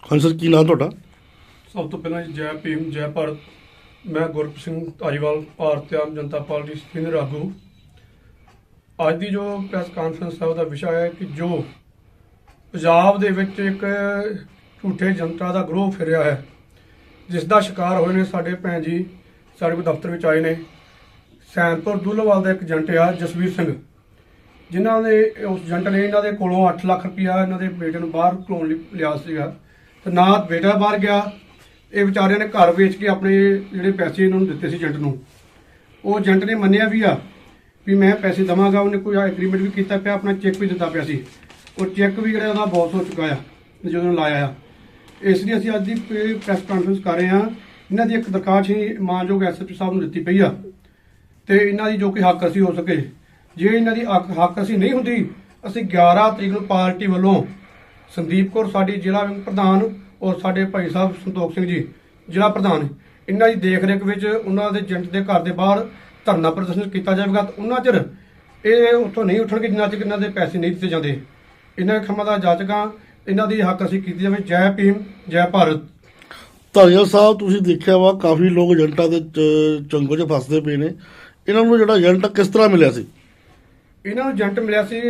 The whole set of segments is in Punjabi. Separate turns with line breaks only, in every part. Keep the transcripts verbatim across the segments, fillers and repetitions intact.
ਹਾਂਜੀ ਸਰ, ਕੀ ਨਾਮ ਤੁਹਾਡਾ?
ਸਭ ਤੋਂ ਪਹਿਲਾਂ ਜੀ ਜੈ ਭੀਮ ਜੈ ਭਾਰਤ। ਮੈਂ ਗੁਰਪ੍ਰੀਤ ਸਿੰਘ ਧਾਰੀਵਾਲ, ਭਾਰਤੀ ਆਮ ਜਨਤਾ ਪਾਰਟੀ ਸੀਨੀਅਰ ਆਗੂ। ਅੱਜ ਦੀ ਜੋ ਪ੍ਰੈਸ ਕਾਨਫਰੰਸ ਹੈ ਉਹਦਾ ਵਿਸ਼ਾ ਹੈ ਕਿ ਜੋ ਪੰਜਾਬ ਦੇ ਵਿੱਚ ਇੱਕ ਝੂਠੇ ਜਨਤਾ ਦਾ ਗਰੋਹ ਫਿਰਿਆ ਹੈ, ਜਿਸ ਦਾ ਸ਼ਿਕਾਰ ਹੋਏ ਨੇ ਸਾਡੇ ਭੈਣ ਜੀ ਸਾਡੇ ਕੋਲ ਦਫ਼ਤਰ ਵਿੱਚ ਆਏ ਨੇ। ਸੈਨਪੁਰ ਦੁੱਲੋਵਾਲ ਦਾ ਇੱਕ ਏਜੰਟ ਆ ਜਸਵੀਰ ਸਿੰਘ, ਜਿਨ੍ਹਾਂ ਨੇ ਉਸ ਏਜੰਟ ਨੇ ਇਹਨਾਂ ਦੇ ਕੋਲੋਂ ਅੱਠ ਲੱਖ ਰੁਪਇਆ ਇਹਨਾਂ ਦੇ ਬੇਟੇ ਨੂੰ ਬਾਹਰ ਘਲਾਉਣ ਲਈ ਲਿਆ ਸੀਗਾ, ਤੇ ਨਾ ਬੇਟਾ ਬਾਹਰ ਗਿਆ। ਇਹ ਵਿਚਾਰਿਆਂ ਨੇ ਘਰ ਵੇਚ ਕੇ ਆਪਣੇ ਜਿਹੜੇ ਪੈਸੇ ਇਹਨਾਂ ਨੂੰ ਦਿੱਤੇ ਸੀ ਏਜੰਟ ਨੂੰ। ਉਹ ਏਜੰਟ ਨੇ ਮੰਨਿਆ ਵੀ ਆ ਵੀ ਮੈਂ ਪੈਸੇ ਦੇਵਾਂਗਾ, ਉਹਨੇ ਕੋਈ ਐਗਰੀਮੈਂਟ ਵੀ ਕੀਤਾ ਪਿਆ, ਆਪਣਾ ਚੈੱਕ ਵੀ ਦਿੱਤਾ ਪਿਆ ਸੀ। ਉਹ ਚੈੱਕ ਵੀ ਜਿਹੜਾ ਉਹਦਾ ਬਾਉਂਸ ਹੋ ਚੁੱਕਾ ਆ ਜਦੋਂ ਲਾਇਆ ਆ। ਇਸ ਲਈ ਅਸੀਂ ਅੱਜ ਦੀ ਪ੍ਰੈਸ ਕਾਨਫਰੰਸ ਕਰ ਰਹੇ ਹਾਂ। ਇਹਨਾਂ ਦੀ ਇੱਕ ਦਰਖਾਸਤ ਹੀ ਮਾਨਯੋਗ ਐਸ ਐਚ ਓ ਸਾਹਿਬ ਨੂੰ ਦਿੱਤੀ ਪਈ ਆ, ਤੇ ਇਹਨਾਂ ਦੀ ਜੋ ਕਿ ਹੱਕ ਅਸੀਂ ਹੋ ਸਕੇ। ਜੇ ਇਹਨਾਂ ਦੀ ਹੱਕ ਹੱਕ ਅਸੀਂ ਨਹੀਂ ਹੁੰਦੀ, ਅਸੀਂ ਗਿਆਰਾਂ ਤਰੀਕ ਨੂੰ ਪਾਰਟੀ ਵੱਲੋਂ ਸੰਦੀਪ ਕੌਰ ਸਾਡੀ ਜ਼ਿਲ੍ਹਾ ਪ੍ਰਧਾਨ ਔਰ ਸਾਡੇ ਭਾਈ ਸਾਹਿਬ ਸੰਤੋਖ ਸਿੰਘ ਜੀ ਜ਼ਿਲ੍ਹਾ ਪ੍ਰਧਾਨ, ਇਹਨਾਂ ਦੀ ਦੇਖ ਰੇਖ ਵਿੱਚ ਉਹਨਾਂ ਦੇ ਏਜੰਟ ਦੇ ਘਰ ਦੇ ਬਾਹਰ ਧਰਨਾ ਪ੍ਰਦਰਸ਼ਨ ਕੀਤਾ ਜਾਵੇਗਾ। ਤੇ ਉਹਨਾਂ ਚਿਰ ਇਹ ਉੱਥੋਂ ਨਹੀਂ ਉੱਠਣਗੇ ਜਿੰਨਾ ਚਿਰ ਇਹਨਾਂ ਦੇ ਪੈਸੇ ਨਹੀਂ ਦਿੱਤੇ ਜਾਂਦੇ। ਇਹਨਾਂ ਖੰਮਾਂ ਦਾ ਜਾਚਕਾਂ, ਇਹਨਾਂ ਦੀ ਹੱਕ ਅਸੀਂ ਕੀਤੀ ਜਾਵੇ। ਜੈ ਭੀਮ ਜੈ ਭਾਰਤ।
ਧਾਰੀਵਾਲ ਸਾਹਿਬ, ਤੁਸੀਂ ਦੇਖਿਆ ਵਾ ਕਾਫੀ ਲੋਕ ਏਜੰਟਾਂ ਦੇ ਚ- ਚੰਗੋ 'ਚ ਫਸਦੇ ਪਏ ਨੇ। ਇਹਨਾਂ ਨੂੰ ਜਿਹੜਾ ਏਜੰਟ ਕਿਸ ਤਰ੍ਹਾਂ ਮਿਲਿਆ ਸੀ?
ਇਹਨਾਂ ਨੂੰ ਏਜੰਟ ਮਿਲਿਆ ਸੀ,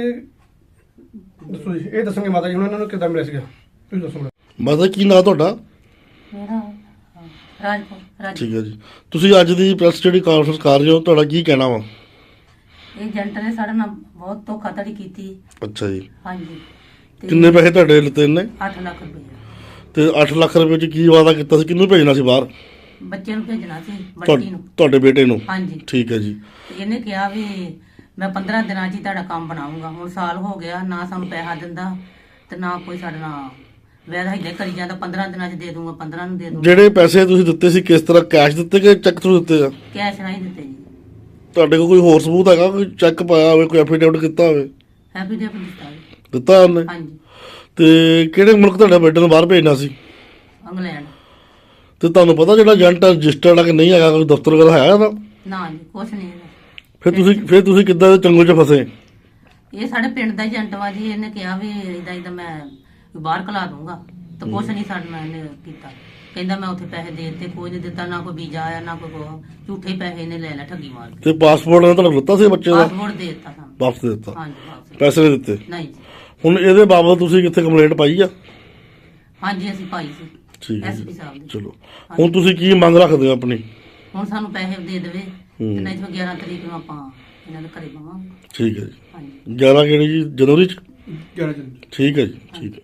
ਦੱਸੋ ਜੀ, ਇਹ ਦੱਸਣਗੇ ਮਾਤਾ ਜੀ ਹੁਣ ਇਹਨਾਂ ਨੂੰ ਕਿੱਦਾਂ ਮਿਲਿਆ ਸੀਗਾ, ਤੁਸੀਂ ਦੱਸੋ।
ਮਾਤਾ, ਕੀ ਨਾਂ ਤੁਹਾਡਾ?
ਮੇਰਾ ਰਾਜਪੁਰ ਰਾਜ
ਠੀਕ ਹੈ ਜੀ। ਤੁਸੀਂ ਅੱਜ ਦੀ ਪ੍ਰੈਸ ਜਿਹੜੀ ਕਾਨਫਰੰਸ ਕਰ ਰਹੇ ਹੋ, ਤੁਹਾਡਾ ਕੀ ਕਹਿਣਾ ਵਾ?
ਇਹ ਏਜੰਟ ਨੇ ਸਾਡੇ ਨਾਲ ਬਹੁਤ ਧੋਖਾਧੜੀ ਕੀਤੀ।
ਅੱਛਾ ਜੀ।
ਹਾਂਜੀ। ਤੇ
ਕਿੰਨੇ ਪੈਸੇ ਤੁਹਾਡੇ ਲਿੱਤੇ ਨੇ?
ਅੱਠ ਲੱਖ ਰੁਪਏ
ਤੇ ਅੱਠ ਲੱਖ ਰੁਪਏ 'ਚ ਕੀ ਵਾਅਦਾ ਕੀਤਾ ਸੀ? ਕਿਹਨੂੰ ਭੇਜਣਾ ਸੀ ਬਾਹਰ?
ਬੱਚੇ ਨੂੰ ਭੇਜਣਾ ਸੀ,
ਤੁਹਾ-
ਬੱਚੀ ਨੂੰ।
ਤੁਹਾਡੇ ਬੇਟੇ ਨੂੰ?
ਹਾਂਜੀ।
ਠੀਕ ਹੈ ਜੀ।
ਤੇ ਇਹਨੇ ਕਿਹਾ ਵੀ ਮੈਂ ਪੰਦਰਾਂ ਦਿਨਾਂ 'ਚ ਹੀ ਤੁਹਾਡਾ ਕੰਮ ਬਣਾਉਂਗਾ। ਹੁਣ ਸਾਲ ਹੋ ਗਿਆ, ਨਾ ਸਾਨੂੰ ਪੈਸਾ ਦਿੰਦਾ ਤੇ ਨਾ ਕੋਈ ਸਾਡੇ ਨਾਲ ਵੈਦਾ ਹਿੱਦੇ ਕਰੀ ਜਾਂਦਾ। ਪੰਦਰਾਂ ਦਿਨਾਂ 'ਚ ਦੇ ਦੂੰਗਾ, ਪੰਦਰਾਂ ਨੂੰ ਦੇ ਦੂੰਗਾ।
ਜਿਹੜੇ ਪੈਸੇ ਤੁਸੀਂ ਦਿੱਤੇ ਸੀ ਕਿਸ ਤਰ੍ਹਾਂ, ਕੈਸ਼ ਦਿੱਤੇ ਕਿ ਚੈੱਕ ਥਰੂ ਦਿੱਤੇ ਆ?
ਕੈਸ਼ ਨਹੀਂ ਦਿੱਤੇ ਜੀ।
ਤੁਹਾਡੇ ਕੋਲ ਕੋਈ ਹੋਰ ਸਬੂਤ ਹੈਗਾ? ਕੋਈ ਚੈੱਕ ਪਾਇਆ ਹੋਵੇ, ਕੋਈ ਐਫੀਡੇਵਿਟ ਕੀਤਾ ਹੋਵੇ?
ਹੈਪੀ ਡੇ ਦਿੱਤਾ ਜੀ।
ਦਿੱਤਾ ਉਹਨੇ?
ਹਾਂਜੀ।
ਤੇ ਕਿਹੜੇ ਮੁਲਕ ਤੁਹਾਡੇ ਬੇਟੇ ਨੂੰ ਬਾਹਰ ਭੇਜਣਾ ਸੀ?
ਇੰਗਲੈਂਡ।
ਤੇ ਤੁਹਾਨੂੰ ਪਤਾ ਜਿਹੜਾ ਏਜੰਟ ਰਜਿਸਟਰਡ ਆ ਕਿ ਨਹੀਂ ਹੈਗਾ, ਕੋਈ ਦਫ਼ਤਰ ਵਗੈਰਾ ਹੈ ਉਹਦਾ?
ਨਾ ਜੀ, ਕੁਛ ਨਹੀਂ ਹੈਗਾ।
ਫਿਰ ਤੁਸੀਂ ਫਿਰ ਤੁਸੀਂ ਕਿੱਦਾਂ ਦੇ ਚੰਗੋ 'ਚ ਫਸੇ?
ਇਹ ਸਾਡੇ ਪਿੰਡ ਦਾ ਏਜੰਟ ਵਾ ਜੀ। ਇਹਨੇ ਕਿਹਾ ਵੀ ਇਦਾਂ ਇਦਾਂ ਮੈਂ ਬਾਹਰ ਕਲਾ ਦੂੰਗਾ, ਤੇ ਕੁਛ ਨਹੀਂ ਸਾਡੇ ਨਾਲ ਇਹਨੇ ਕੀਤਾ। ਕਹਿੰਦਾ ਮੈਂ ਉੱਥੇ ਪੈਸੇ ਦੇ ਦਿੱਤੇ, ਕੋਈ ਨਹੀਂ ਦਿੱਤਾ, ਨਾ ਕੋਈ ਵੀਜ਼ਾ ਆਇਆ ਨਾ ਕੋਈ ਕੁਛ। ਝੂਠੇ ਪੈਸੇ ਇਹਨੇ ਲੈ ਲੈ ਠੱਗੀ ਮਾਰ ਕੇ।
ਤੇ ਪਾਸਪੋਰਟ ਨੇ ਤੁਹਾਨੂੰ ਦਿੱਤਾ ਸੀ ਬੱਚੇ ਦਾ?
ਪਾਸਪੋਰਟ ਦੇ ਦਿੱਤਾ ਸਾਨੂੰ।
ਵਾਪਸ ਦੇ ਦਿੱਤਾ?
ਹਾਂਜੀ, ਵਾਪਸ।
ਪੈਸੇ ਨਹੀਂ ਦਿੱਤੇ?
ਨਹੀਂ ਜੀ।
ਹੁਣ ਇਹਦੇ ਬਾਬਤ ਤੁਸੀਂ ਕਿੱਥੇ ਕੰਪਲੇਂਟ ਪਾਈ ਆ?
ਹਾਂਜੀ, ਅਸੀਂ ਪਾਈ ਸੀ
ਠੀਕ ਹੈ
ਐਸਪੀ
ਜੀ।
ਸਾਹਿਬ ਦੀ।
ਚਲੋ, ਹੁਣ ਤੁਸੀਂ ਕੀ ਮੰਗ ਰੱਖਦੇ ਹੋ ਆਪਣੀ?
ਹੁਣ ਸਾਨੂੰ ਪੈਸੇ ਦੇ ਦੇਵੇ,
ਹੂੰ।
ਤੇ ਨਹੀਂ ਤਾਂ ਗਿਆਰਾਂ ਤਰੀਕ ਨੂੰ ਆਪਾਂ ਇਹਨਾਂ ਦੇ ਘਰੇ ਪਾਵਾਂਗੇ।
ਠੀਕ ਹੈ ਜੀ।
ਹਾਂਜੀ।
ਗਿਆਰਾਂ ਕਿਹੜੀ ਜੀ? ਜਨਵਰੀ 'ਚ?
ਗਿਆਰਾਂ ਜਨ
ਠੀਕ ਹੈ ਜੀ। ਠੀਕ ਹੈ।